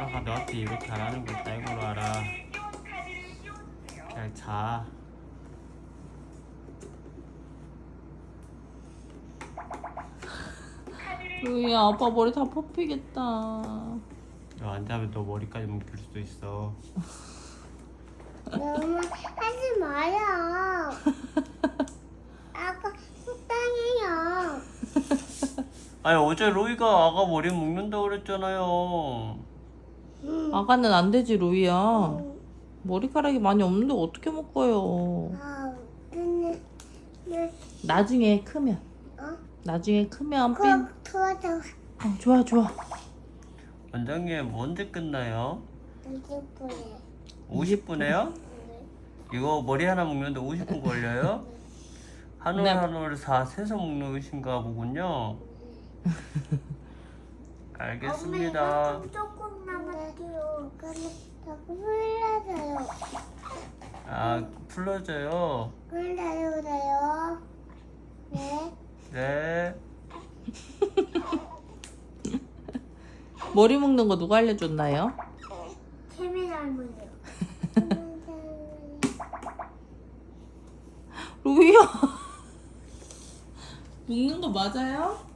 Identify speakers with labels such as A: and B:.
A: 엄마가 너한테 이거 잘하는 거 짤고로 알아. 잘 자.
B: 루이야, 아빠 머리 다 뽑히겠다.
A: 너 안 자면 너 머리까지 묶일 수도 있어.
C: 너무 하지 마요. 아까 속상해요.
A: 아니 어제 로이가 아가 머리 묶는다고 그랬잖아요.
B: 아가는 안 되지, 루이야. 머리카락이 많이 없는데 어떻게 묶어요?
C: 아, 근데
B: 나중에 크면.
C: 어?
B: 나중에 크면 핀.
C: 콕 터져.
B: 좋아, 좋아.
A: 원장님 언제 끝나요?
C: 이제 보여.
A: 50분에요? 이거 머리 하나 묶는데 50분 걸려요? 한 올
B: 네.
A: 한 올 다 세서 묶으신가 보군요. 알겠습니다.
C: 엄마, 조금 남았대요. 근데 자꾸 흘러져요.
A: 아 풀러져요.
C: 흘러져요. 네.
A: 네.
B: 머리 묶는 거 누가 알려줬나요?
C: 케미 닮은요.
B: 루이야. 묶는 거 맞아요?